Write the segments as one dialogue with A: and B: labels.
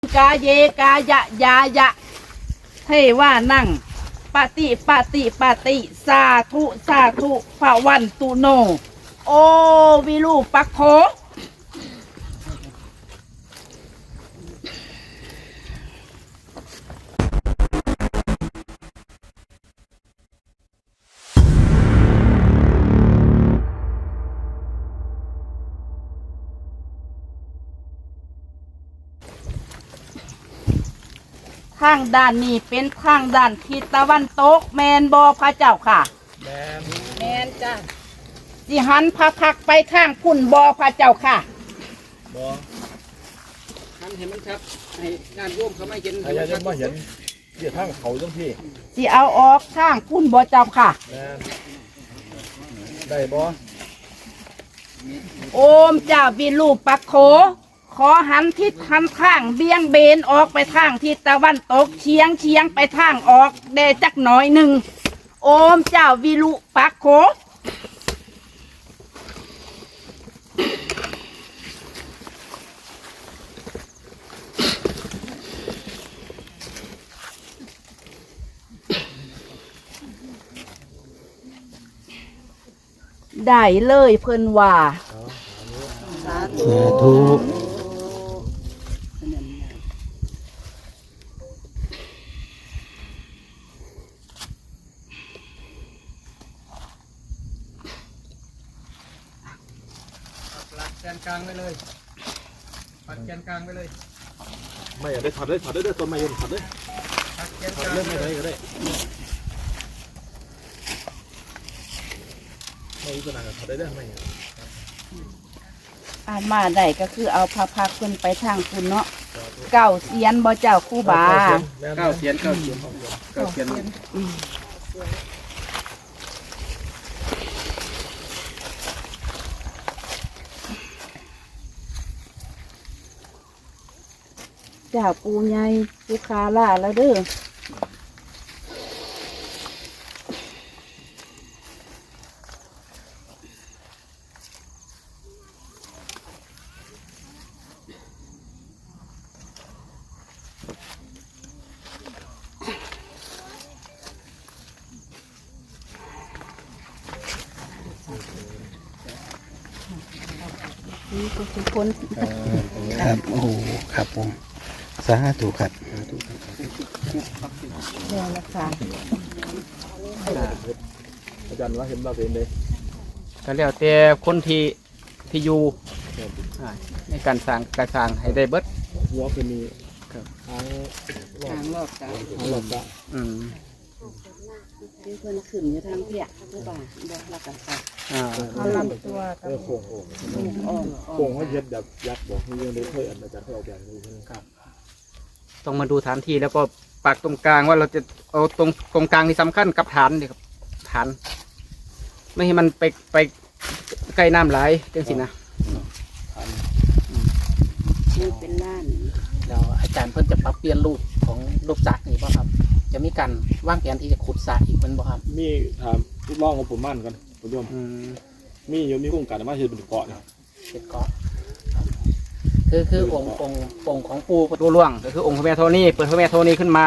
A: กาเยกายะยายะเทว่านั่งปฏิสาธุภวันตุโนโอวิรูปัคโคทางด้านนี้เป็นทางด้านทิศตะวันตกแมนบอพระเจ้าค่ะแมนจ้ะสิหันพระพักไปทางพุ่นบอพระเจ้าค่ะ
B: บอหันเห็นมันครับให้งานร่วมเขาไม่เห็นใครจะมาเห็นเดี๋ยวทางเขาต้องพี่
A: สิเอาออกทางพุ่นบอเจ้าค่ะ
B: ได้บอ
A: โอมเจ้าวิรูปัคโขขอหันทิศหันข้างเบี่ยงเบนออกไปทางทิศตะวันตกเฉียงไปทางออกได้จักหน่อยหนึ่งโอมเจ้าวิรูปัคโขได้เลยเพิ่นว่าสาธุ
B: ปัดแกนกลางไปเลยปัดแกนกลางไปเลย
C: ไม่อยากได้ถอดเลยต้นไม้ยนถอดเลย
B: ปัดแกน
C: ถอด
B: กลาง
C: เลยไม่ได้ก็ได้ไม่รู้จะนานกับถอดได้ไหม
A: อามาได้ก็คือเอาพระพักขึ้นไปทางคุณเนาะเก้าเสียนบ่เจ้าคู่บา
B: เก้าเสียน
A: เจ้าปูใหญ่ปูคาล่าแล้วเด้อนี่ก็คือคน
D: ครับโอ้โหครับผมสาธุครับ
A: เดี๋ยวละค่ะ
C: อาจารย์ว่าเห็นเราเป็นเลย
B: ก็แล้วแต่คนที่อยู่ในการสร้างให้ได้เบิด
C: หัวเป็นมี
A: ทางรอบจ้ะที่เพิ่นขึ้นอยู่ทางเพียผู้บ่าบอกหลักกันค่ะเขาลำตัวกับ
C: โค้งเขาเย็ดแบบยักษ์บอกให้ยังได้เคยอาจารย์เขาเอาแบบนี้
B: ครับต้องมาดูฐานที่แล้วก็ปักตรงกลางว่าเราจะเอาตรงกลางที่สำคัญกับฐานนี่ครับฐานไม่ให้มันไปใกล้น้ำไหลจังสินะ
A: นี่เป็นล้าน
B: แล้วอาจารย์เพิ่นจะปรับเปลี่ยนรูปของรูปสระนี่ป่ะครับจะมีการวางแผนที่จะขุดสระอีกมันบ่ครับ
C: มีถามลูกน้องของผมมั่นกันผมยอมมีโครงการมาเชื่อเป็นเกาะเนี่ย
B: เป็นเกาะคือองค์ของปู่ตัวล่วงก็คือองค์พระแม่ธรณีเปิดพระแม่ธรณีขึ้นมา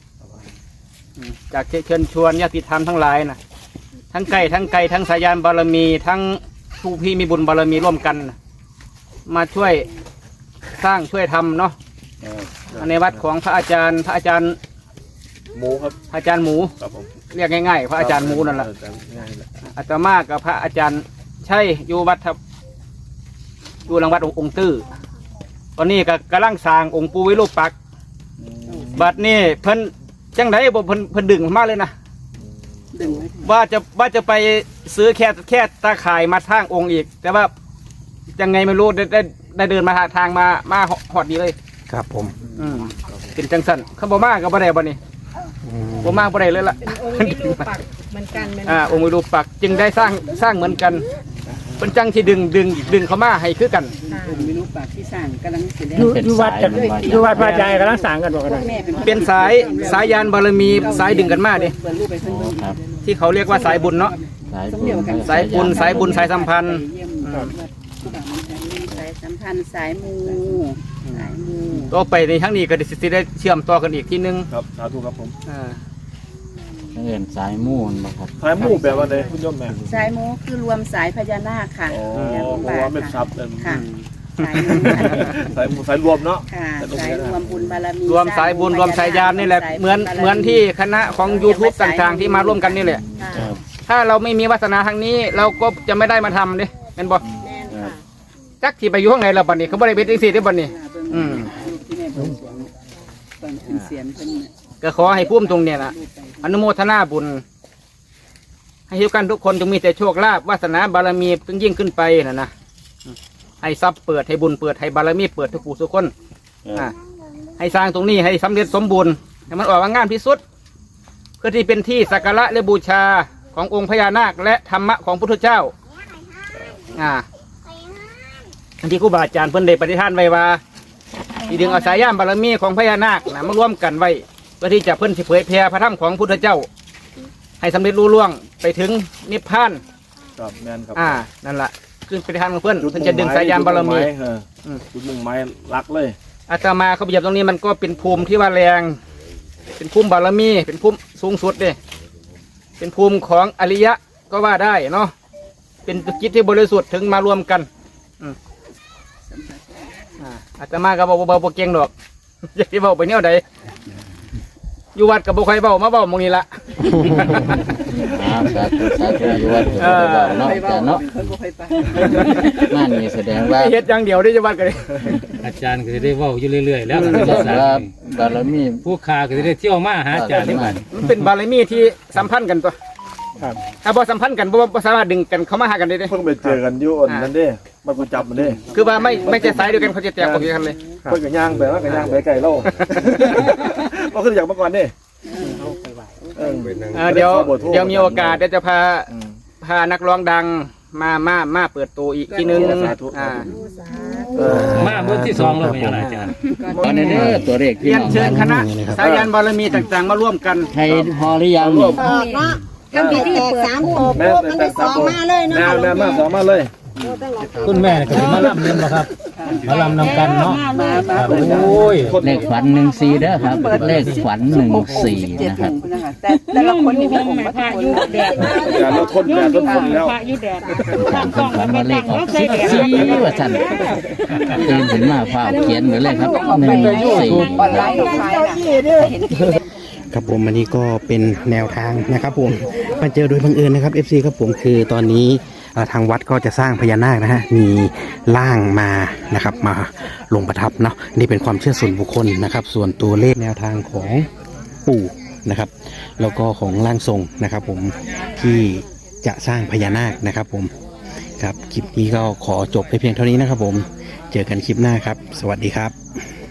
B: จากเชิญชวนญาติธรรมทั้งหลายนะทั้งไก่ทั้งสายานบารมีทั้งผู้พี่มีบุญบารมีร่วมกันมาช่วยสร้างช่วยทำเนาะในวัดของพระอาจารย์
C: หมูครับ
B: อาจารย์หมูเรียกง่ายๆพระอาจารย์หมูนั่นแหละอาตมากับพระอาจารย์ใช่อยู่วัดอยู่หลังวัดองค์ตื้อตอนนี้ก็กำลังสร้างองค์ปู่วิรูปักษ์บัดนี้เพิ่นจังไดบ่เพิ่นดึงมาเลยนะว่าจะไปซื้อแค่ตาข่ายมาทางองค์อีกแต่ว่ายังไงไม่รู้ได้เดินมาทางมาหอดดีเลย
D: ครับผม
B: เป็นจังสันเขาบอกมากกับบ่ได้บ่นี่บ่มากบ่ได้เลยล่ะ
A: องค์วิรูปักษ์เหมือนกัน
B: องค์วิรูปักษ์จึงได้สร้างเหมือนกันเป็นจังที่ดึงเขามาให้คือกัน
A: วิรูปักษ์ที่สร้างกำลังสิได้
B: อยู่วัดพระอาจารย์กำลังสร้างกันบอกกันเป็นสายยานบารมีสายดึงกันมาดิที่เขาเรียกว่าสายบุญเนาะสายบุญสายสัมพันธ์
A: สายสัมพันธ์สายมูสาย
B: ต่อไปในทั้งนี้ก็สิได้เชื่อมต่อกันอีกทีนึง
C: ครับสาธุครับผม
E: เห็นสายมูนบ่ครับ
C: สายมู่แบบว่าใดคุณโยมแม่
A: สายมูคือรวมสายพญานาคค่ะ
C: อ๋อ
A: แม่
C: เพ
A: บุญ
C: ราะ
A: บา
C: ว่า
A: ท
C: เป็นทรั
A: ค่ะ
C: พย์เป็น
A: ค่ะสายมูค่ะ
C: สายรวมเนาะ
A: ค่ะสายรวมบุญบารมี
B: รวมสายบุญรวมสายญาณนี่แหละเหมือนที่คณะของ YouTube ต่างๆ ที่มาร่วมกันนี่แหละ
A: ค่ะ
B: ถ้าเราไม่มีวาสนาทางนี้ เราก็จะไม่ได้มาทำดิเป็นบ่
A: แม่นค่ะ
B: จักที่ไปอยู่ข้างในเราบัดนี้เขาบ่ได้เป็นจังซี่เด้อบัดนี้ อืม
A: ลูกที่แม่บอกสวงตอนขึ้นเสียงเพิ่นน่ะ
B: ก็ขอให้ภูมิตรงเนี่ยนะอนุโมทนาบุญ ให้ทุกกันทุกคนจงมีแต่โชคลาภวาสนาบารมีจงยิ่งขึ้นไปนะให้ทรัพย์เปิดให้บุญเปิดให้บารมีเปิดทุกผู้ทุกคนให้สร้างตรงนี้ให้สำเร็จสมบูรณ์ให้มันออกมางามที่สุด เพื่อที่เป็นที่สักการะและบูชาขององค์พญานาคและธรรมะของพุทธเจ้าอันที่ครูบาอาจารย์เพิ่นได้ปฏิทานไว้ว่าที่ดึงเอาสายย่ามบารมีของพญานาคนะมาร่วมกันไว้เพื่อที่จะเพิ่นสิเผยแผ่พระธรรมของพุทธเจ้า ให้สำเร็จรุ่ล่วงไปถึงนิพพาน
C: ครับแม่นครับ
B: นั่นแหละคือปฏิทานของเพื่อนเพิ่นจะดึงสายยามบารมี
C: จุดมุ่งหมายรักเลย
B: อาตมาเขาไปเหยียบตรงนี้มันก็เป็นภูมิที่ว่าแรง เป็นภูมิบารมี เป็นภูมิสูงสุดเลยเป็นภูมิของอริยะก็ว่าได้เนาะ เป็นจิตที่บริสุทธิ์ถึงมารวมกันอาตมาก็บอกเบาๆเก่งดอก อย่าไปเบาไปเนี่ยใดอยู่วัดกับบุคคลเบามาเบาหมองนี้ละ
E: สาธุสาธุอยู่วัดเนาะแต่เนาะนั่นนี่แสดงว่า
B: เฮ็ดอย่างเดียวได้จะวัดกันเลย
F: อาจารย์ก็จะได้เว้าอยู่เรื่อยๆแล้ว
E: แสดงว่าบารมี
F: ผู้ค้าก็จะได้เที่ยวมาหาอาจารย์ที่บ้าน
B: มันเป็นบารมีที่สัมพันธ์กันตัวถ้าบ่สัมพันธ์กันบ่สามารถดึงกันเข้ามาหากันได้เด้
C: เพิ่งไปเจอกันอยู่อันนั้นเด้มันกูจับมันเด้
B: คือว่าไม่ใช่สายเดียวกันเขาจะแตกออกจากกันเลย
C: เพิ่งกับย่างไปว่ากับย่างไปไก่เล่าก็คืออย่างเมื่อก่อนเด้
B: เดี๋ยวมีโอกาสเดี๋ยวจะพานักร้องดังมาเปิดตัวอีกทีนึง
F: มาเบอร์ที่2แล้วเป็นยังไงอาจารย์
E: ตอนนี้เด้อตัวเลข
B: เรียนเชิญคณะสายันบารมีต่างๆมาร่วมกัน
E: ไทยพอหรือยัง
G: ก็มีที่เปิด3โตปุ๊บมันได้สองมาเลยเนาะ
C: แม่มาสองมาเลย
F: คุณแม่ก็สิมาลำเล่นบ่ครับมาลำนำกันเนาะครับโอ้ย
E: เลขฝัน14เด้อครับเลขฝัน14นะครับ
A: แต่ละคนนี่มีองค์มาทุกคน
C: อย่าเราทนอย่าทนทนแล้ว
E: ฝันว่าเลขออก14ว่าสั่นตื่นขึ้นมาฟ้าเขียนเหมือนเลยครับ14
A: ออนไลน์ขายน่ะ
D: ครับผมอันนี้ก็เป็นแนวทางนะครับผมมาเจอโดยบังเอิญนะครับ FC ครับผมคือตอนนี้ทางวัดก็จะสร้างพญานาคนะฮะมีร่างมานะครับมาลงประทับเนาะนี่เป็นความเชื่อส่วนบุคคลนะครับ ส่วนตัวเลขแนวทางของปู่นะครับแล้วก็ของร่างทรงนะครับผมที่จะสร้างพญานาคนะครับผมครับคลิปนี้ก็ขอจบไปเพียงเท่านี้นะครับผมเจอกันคลิปหน้าครับสวัสดีครับ